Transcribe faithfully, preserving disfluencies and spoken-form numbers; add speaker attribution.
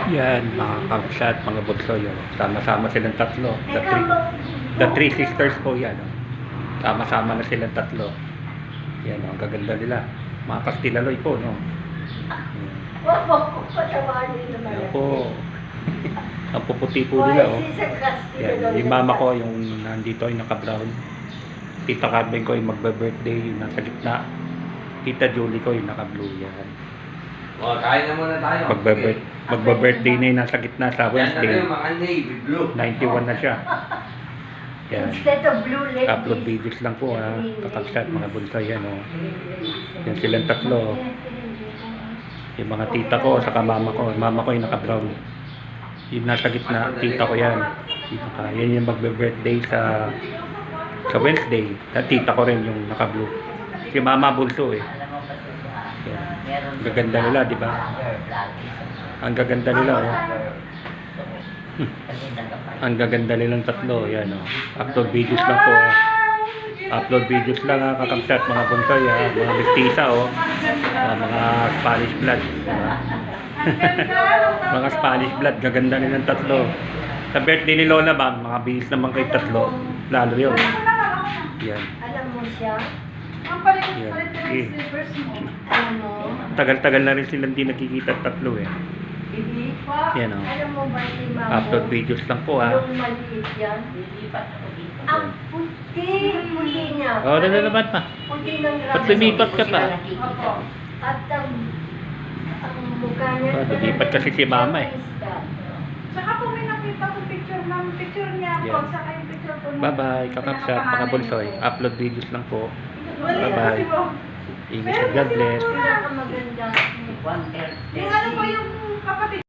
Speaker 1: Yan, mga kamsa at mga bunso yun. Sama-sama silang tatlo. The three, the three sisters po yan. oh. Sama-sama na silang tatlo. Yan, oh, ang gaganda nila. Mga Kastilaloy po, no?
Speaker 2: Wag mo ko patawanin naman.
Speaker 1: Yan po. Ang puputi po nila, oh. Yan, yung mama ko, yung nandito, yung naka-brown. Tita Carmen ko, yung magbe-birthday, yung nasa gitna. Tita Julie ko, yung naka-blue yan.
Speaker 3: O, kain na muna tayo.
Speaker 1: Magbe-birth, magbe-birthday na yung nasa gitna sa
Speaker 3: Yan na
Speaker 1: Wednesday.
Speaker 3: kayo, mga navy blue.
Speaker 1: ninety-one na siya. Yan.
Speaker 2: Instead of blue ladies.
Speaker 1: Upload videos lang po, ha. Kakabsat, mga bunso yan, oh. Yan silang tatlo. Yung mga tita ko, saka mama ko. Mama ko yung naka-brown. Yung nasa gitna, tita ko yan. Tita ka. Yan yung magbe-birthday sa sa Wednesday. At tita ko rin yung naka-blue. Si mama bunso, eh. Yan. Ang gaganda nila, di ba? Ang gaganda nila, oh. Hmm. Ang gaganda nilang tatlo, yan, oh. Upload videos lang po, ah. Upload videos lang, ha, kakabsat, mga bunsoy, ha. Mga mistisa, oh. Ah, mga Spanish blood, diba? Mga Spanish blood, gaganda nilang tatlo. Sa birthday ni Lola ba, mga bihis naman kay tatlo. Lalo yun. Yan.
Speaker 2: Alam mo siya?
Speaker 4: Ang palit
Speaker 1: Yan.
Speaker 4: palit na
Speaker 1: Okay.
Speaker 4: yung slippers mo.
Speaker 2: Ano?
Speaker 1: Tagal-tagal na rin silang di nakikita tatlo, eh.
Speaker 2: Bibi?
Speaker 1: Yan, oh.
Speaker 2: Alam mo ba si Mamo?
Speaker 1: Upload videos lang po, ha.
Speaker 2: Yung maliit yan. Ang puti. Puti niya.
Speaker 1: Oh, nalalaman pa.
Speaker 2: Puti ng grabe.
Speaker 1: Ba't lumipat ka pa?
Speaker 4: Opo.
Speaker 2: At ang ang mukha niya.
Speaker 1: Oh, lumipat kasi si Mama, eh.
Speaker 4: Saka po may nakita ko picture ng picture niya po.
Speaker 1: Yeah.
Speaker 4: Saka yung picture po ng
Speaker 1: Bye-bye, kakabsat, mga bunsoy. Upload videos lang po. Bye-bye. Ingat at God bless.
Speaker 2: Pinakamaganda.
Speaker 4: Yung ano po yung kapatid.